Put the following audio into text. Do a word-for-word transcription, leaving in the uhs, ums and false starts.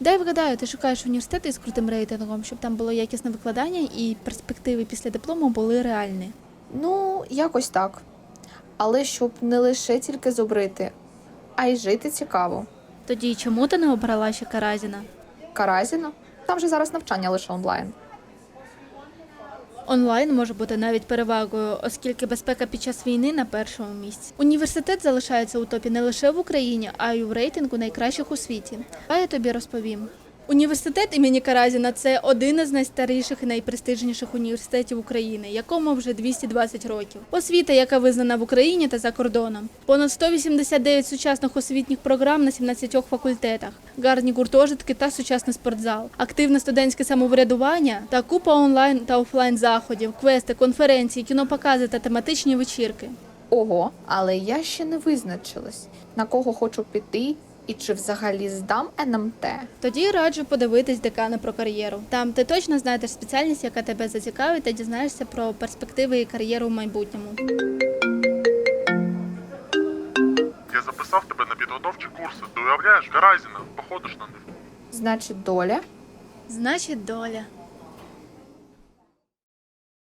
Дай вгадаю, ти шукаєш університети із крутим рейтингом, щоб там було якісне викладання і перспективи після диплому були реальні. Ну, якось так. Але щоб не лише тільки зубрити, а й жити цікаво. Тоді чому ти не обрала ще Каразіна? Каразіно? Там же зараз навчання лише онлайн. Онлайн може бути навіть перевагою, оскільки безпека під час війни на першому місці. Університет залишається у топі не лише в Україні, а й у рейтингу найкращих у світі. А я тобі розповім. Університет імені Каразіна – це один із найстаріших і найпрестижніших університетів України, якому вже двісті двадцять років. Освіта, яка визнана в Україні та за кордоном. Понад сто вісімдесят дев'ять сучасних освітніх програм на сімнадцятьох факультетах, гарні гуртожитки та сучасний спортзал, активне студентське самоврядування та купа онлайн та офлайн заходів, квести, конференції, кінопокази та тематичні вечірки. Ого, але я ще не визначилась, на кого хочу піти і чи взагалі здам ен ем те. Тоді раджу подивитись декани про кар'єру. Там ти точно знайдеш спеціальність, яка тебе зацікавить, та дізнаєшся про перспективи і кар'єру в майбутньому. Я записав тебе на підготовчі курси. Ти уявляєш, Каразіна, походиш на них. Значить, доля? Значить, доля.